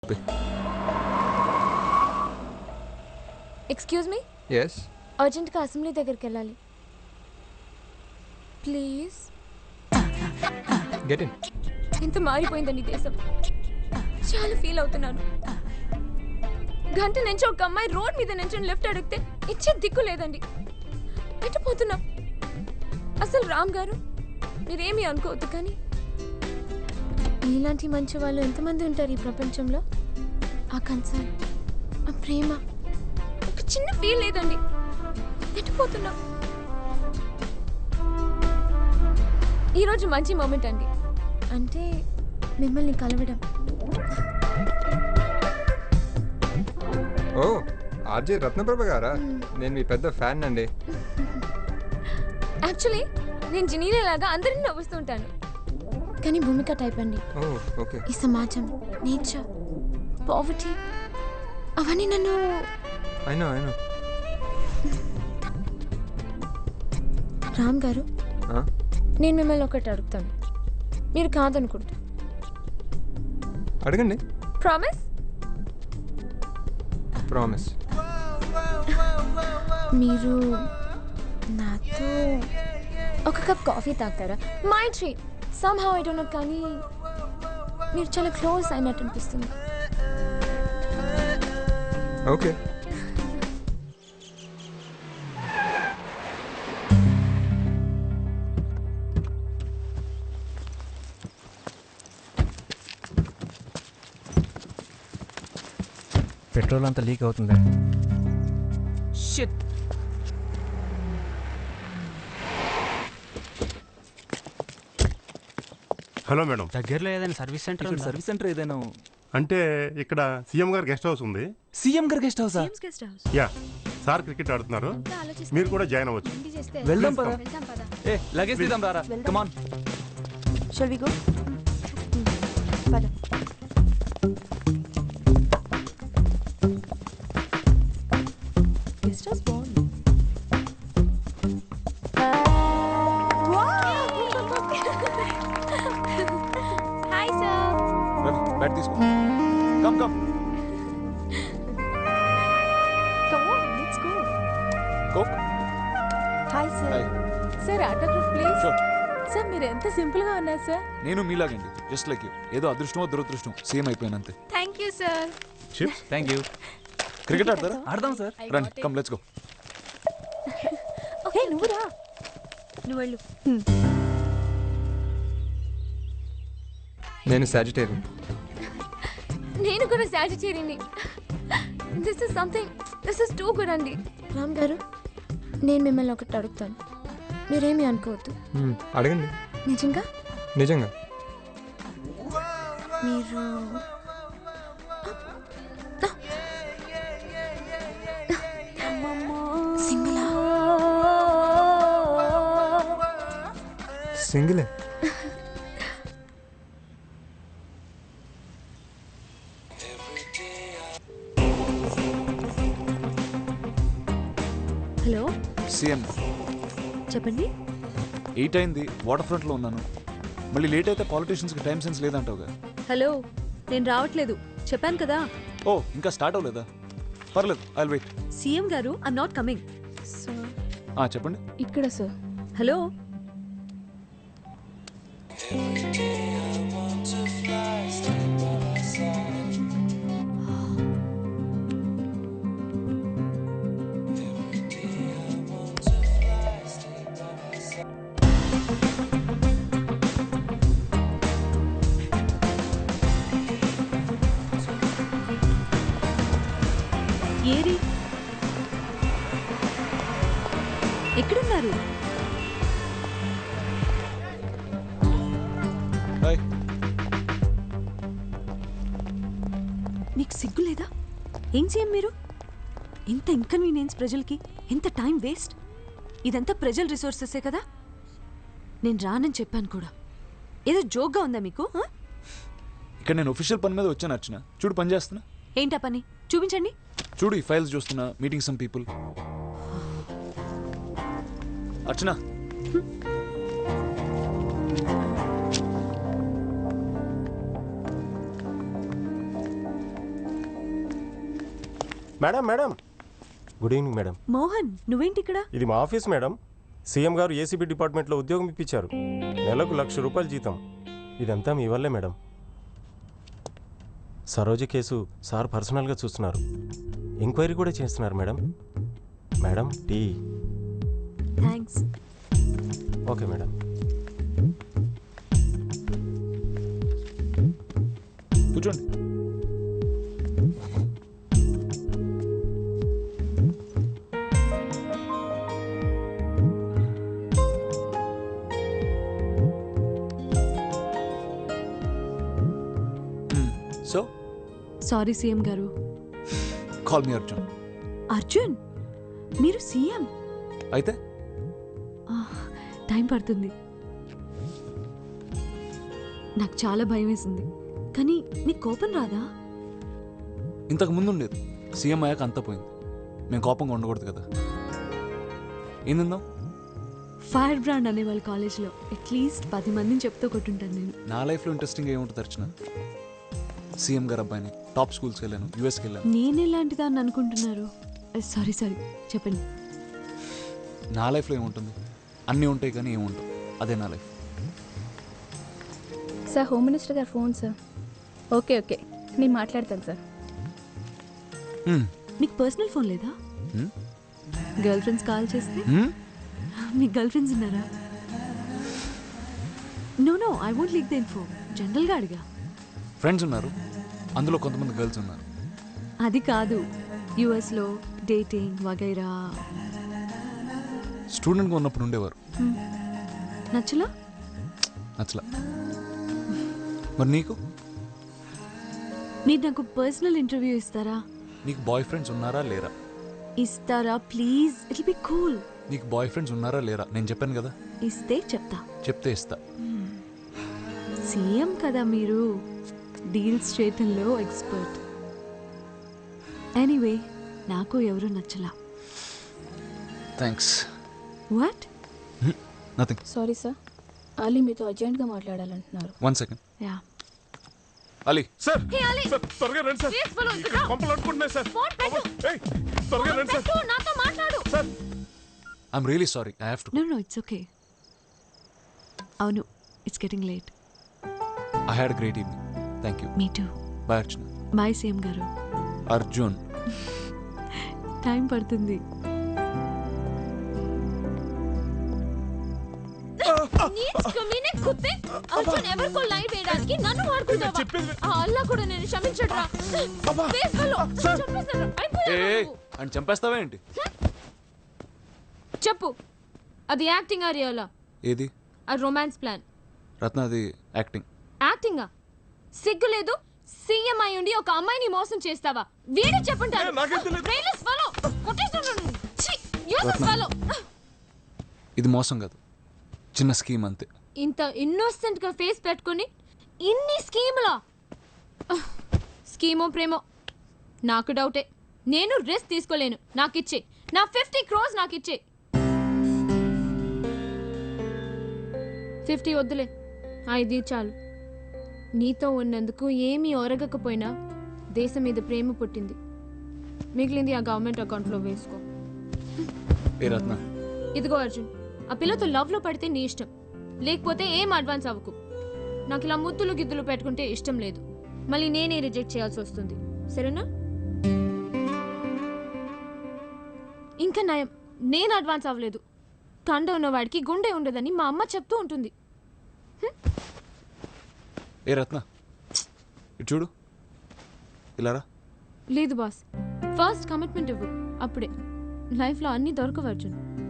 Excuse me. Yes. అర్జెంట్గా assembly దగ్గరికి వెళ్ళాలి ప్లీజ్. Get in. ఎంత మారిపోయిందండి దేశం. చాలా ఫీల్ అవుతున్నాను. గంట నుంచి ఒక అమ్మాయి రోడ్ మీద నుంచి లిఫ్ట్ అడిగితే ఇచ్చే దిక్కు లేదండి. ఎట్టిపోతున్నాం. అసలు రామ్ గారు మీరేమీ అనుకోవద్దు, కానీ ఇలాంటి మంచి వాళ్ళు ఎంతమంది ఉంటారు ఈ ప్రపంచంలో. ఆ కన్సర్న్, ఆ ప్రేమ, ఒక చిన్న ఫీల్ లేదండి. ఎట్టిపోతున్నాం. ఈరోజు మంచి మూమెంట్ అండి, అంటే మిమ్మల్ని కలవడం. ఓ ఆర్జే రత్నప్రభ గారా? నేను మీ పెద్ద ఫ్యాన్ అండి. యాక్చువల్లీ నేను జినీలా లాగా అందరిని నవ్వుస్తుంటాను, కానీ భూమిక టైప్ అండి. ఓకే. ఈ సమాజం, నేచర్, పావర్టీ అవన్నీ నన్ను. అయినా రామ్ గారు, నేను మిమ్మల్ని ఒకటి అడుగుతాను, మీరు కాదనుకుంటా. అడగండి. ప్రామిస్? ప్రామిస్. మీరు నాతో ఒక కప్ కాఫీ తాగుతారా? My treat. Somehow I don't know, కానీ మీరు చాలా క్లోజ్ అయినట్టు అనిపిస్తుంది. ఓకే. పెట్రోల్ అంతా లీక్ అవుతుంది. షిట్. హలో మేడం, దగ్గరలో ఏదైనా సర్వీస్ సెంటర్ ఇక్కడ సర్వీస్ సెంటర్ ఏదైనా? అంటే ఇక్కడ సీఎం గారి గెస్ట్ హౌస్ ఉంది. సీఎం గారి గెస్ట్ హౌసా? యా, సార్ క్రికెట్ ఆడుతున్నారు, మీరు కూడా జాయిన్ అవ్వచ్చు. వెళ్దాం పదా. వెళ్దాం పదా. ఏ లగేజ్ తీద్దాం రారా. Come on. Shall we go? పద. గెస్ట్ హౌస్ బాగుంది. Hi sir. బ్యాట్ తీసుకో. Come Come on, let's go. Coke. Hi sir. Hi. Sir autograph please. Sure. Sir మీరు ఎంత సింపుల్ గా ఉన్నారు సార్. నేను మీలాగండి, జస్ట్ లైక్ యూ. ఏదో అదృష్టమో దురదృష్టం సేమ్ అయిపోయినంతే. Thank you sir. Chips. Thank you. Cricket ఆడతారా? ఆడదాం సార్. రండి, కమ్ లెట్స్ గో. హే నువ్వు రా. నువ్వు వెళ్ళు. నేను సాజిటేరియన్. నేను కూడా సాజిటేరియన్ని. దిస్ ఇస్ టూ గుడ్ అండి. రామ్ గారు, నేను మిమ్మల్ని ఒకటి అడుగుతాను, మీరేమీ అనుకోవద్దు. అడగండి. నిజంగా నిజంగా. మీరు సింగిలా? సింగిలే. హలో, సీఎం చెప్పండి. 8 అయింది, వాటర్ ఫ్రంట్ లో ఉన్నాను. మళ్ళీ లేట్ అయితే పాలిటీషియన్స్ కి టైం సెన్స్ లేదంటావుగా. హలో, నేను రావట్లేదు చెప్పాను కదా. ఓ ఇంకా స్టార్ట్ అవ్వలేదా? పర్లేదు, ఐ విల్ వెయిట్. సీఎం గారు, ఐమ్ నాట్ కమింగ్. సార్ చెప్పండి. ఇక్కడ సార్. హలో, ఏరి ఎక్కడున్నారు? హాయ్. నీకు సిగ్గు లేదా? ఏం సీఎం మీరు? ఎంత ఇన్కన్వీనియన్స్ ప్రజలకి, ఎంత టైం వేస్ట్. ఇదంతా ప్రజల రిసోర్సెసే కదా. నేను రానని చెప్పాను కూడా. ఏదో జోక్గా ఉందా మీకు? ఇక్కడ నేను ఒఫీషియల్ పని మీద వచ్చాను అర్చన. చూడు పని చేస్తున్నా. ఏంటా పని? చూపించండి. చూడు ఈ ఫైల్స్ చూస్తున్నా, meeting some people. Archana madam madam good evening madam. Mohan నువ్వేంటి ఇక్కడ? ఇది మా ఆఫీస్ మేడం. సీఎం గారు ఏసీబీ డిపార్ట్మెంట్లో ఉద్యోగం ఇప్పించారు. నెలకు ₹1,00,000 జీతం. ఇదంతా మీ వల్లే మేడం. సరోజ కేసు సార్ పర్సనల్గా చూస్తున్నారు. ఎంక్వైరీ కూడా చేస్తున్నారు madam. Madam tea. Thanks. Okay madam. కూర్చోండి. సో సారీ సీఎం గారు. Call me Arjun. అర్జున్ మీరు సీఎం అయితే టైం పడుతుంది. నాకు చాలా భయం వేసింది. కానీ నీకు కోపం రాదా? ఇంతకు ముందు ఉండేది. సీఎం అయ్యాక అంతా పోయింది. మేము కోపంగా ఉండకూడదు కదా. ఏం తిందాం? ఫైర్ బ్రాండ్ అనేవాళ్ళు కాలేజ్లో అట్లీస్ట్ 10 మందిని చెప్తూ కొట్టుంటాను నేను. నా లైఫ్లో ఇంట్రెస్టింగ్ ఏముంటుంది అర్చన? సీఎం గారు అబ్బాయిని టాప్ స్కూల్స్కి వెళ్ళాను, యూఎస్కి వెళ్ళాను. నేను ఎలాంటి దాన్ని అనుకుంటున్నారు? సారీ చెప్పండి. నా లైఫ్లో ఏముంటుంది? అన్నీ ఉంటాయి కానీ ఏముంటావు. అదే నా లైఫ్. సార్ హోమ్ మినిస్టర్ గారు ఫోన్ సార్. ఓకే నేను మాట్లాడతాను సార్. మీకు పర్సనల్ ఫోన్ లేదా? గర్ల్ ఫ్రెండ్స్ కాల్ చేస్తే? మీకు గర్ల్ ఫ్రెండ్స్ ఉన్నారా? No I won't leak the info. జనరల్గా అడిగా. ఫ్రెండ్స్ ఉన్నారు, అందులో కొంతమంది గర్ల్స్ ఉన్నారు. అది కాదు, యుఎస్లో డేటింగ్ వగైరా. స్టూడెంట్గా ఉన్నప్పుడు ఉండేవారు. నచ్చలా? నచ్చలా. మరి నీకు? మీరు నాకు పర్సనల్ ఇంటర్వ్యూ ఇస్తారా? నీకు బాయ్ ఫ్రెండ్స్ ఉన్నారా లేరా? ఇస్తారా ప్లీజ్? It be cool. నీకు బాయ్ ఫ్రెండ్స్ ఉన్నారా లేరా? నేను చెప్పాను కదా. ఇస్తే చెప్తా. చెప్తే ఇస్తా. సీఎం కదా మీరు, డీల్స్ చేయటంలో ఎక్స్పర్ట్. ఎనీవే నాకు ఎవరు నచ్చలా. Thanks. What? Nothing. Sorry sir, Ali మీతో అర్జెంట్గా మాట్లాడాలంటున్నారు. 1 second. Yeah. Ali. Sir sir త్వరగా రండి సార్. ఇక్కడ కొంపలు అనుకుంటున్నాయి సార్. ఏయ్, త్వరగా రండి సార్. నాతో మాట్లాడు. Sir I'm really sorry. I have to. No it's okay. అవును, it's getting late. I had great evening. Thank you. Me too. Bye Archana. Bye CM గారు. అర్జున్. టైం పడుతుంది. అర్జున్ ఎవరికో లైవ్ వేయడానికి నన్ను వాడుకుంటావా? ఆ అల్లా కూడా నేను క్షమించడురా. అని చంపేస్తావా ఏంటి? చెప్పు, అది యాక్టింగ్ ఆ రియలా? ఏది? ఆ రొమాన్స్ ప్లాన్. రత్న, అది యాక్టింగ్. యాక్టింగా? సిగ్గు లేదు? సీఎం అయి ఉండి ఒక అమ్మాయిని మోసం చేస్తావా? వీడే చెప్పుంటారు. ఇది మోసం కాదు, చిన్న స్కీమ్ అంతే. ఇంత ఇన్నోసెంట్ గా ఫేస్ పెట్టుకుని ఇన్ని స్కీములా? స్కీమో ప్రేమో నాకు డౌటే. నేను రిస్క్ తీసుకోలేను. నాకిచ్చే నా 50 crores నాకిచ్చే. 50 వద్దులే, 5 చాలు. నీతో ఉన్నందుకు ఏమీ ఒరగకపోయినా దేశం మీద ప్రేమ పుట్టింది. మిగిలింది ఆ గవర్నమెంట్ అకౌంట్లో వేసుకో. ఏ రత్న? ఇదిగో అర్జున్, ఆ పిల్లతో లవ్లో పడితే నీ ఇష్టం, లేకపోతే ఏం అడ్వాన్స్ అవ్వకు. నాకు ఇలా ముద్దులు గిద్దులు పెట్టుకుంటే ఇష్టం లేదు. మళ్ళీ నేనే రిజెక్ట్ చేయాల్సి వస్తుంది. సరేనా? ఇంకా నయం, నేను అడ్వాన్స్ అవ్వలేదు. కండ ఉన్నవాడికి గుండె ఉండదని మా అమ్మ చెప్తూ ఉంటుంది. ఏ రత్న, ఇటు చూడు. ఇలారా. లేదు బాస్, ఫస్ట్ కమిట్మెంట్ ఇవ్వు, అప్పుడే లైఫ్లో అన్నీ దొరకవు అర్జున్.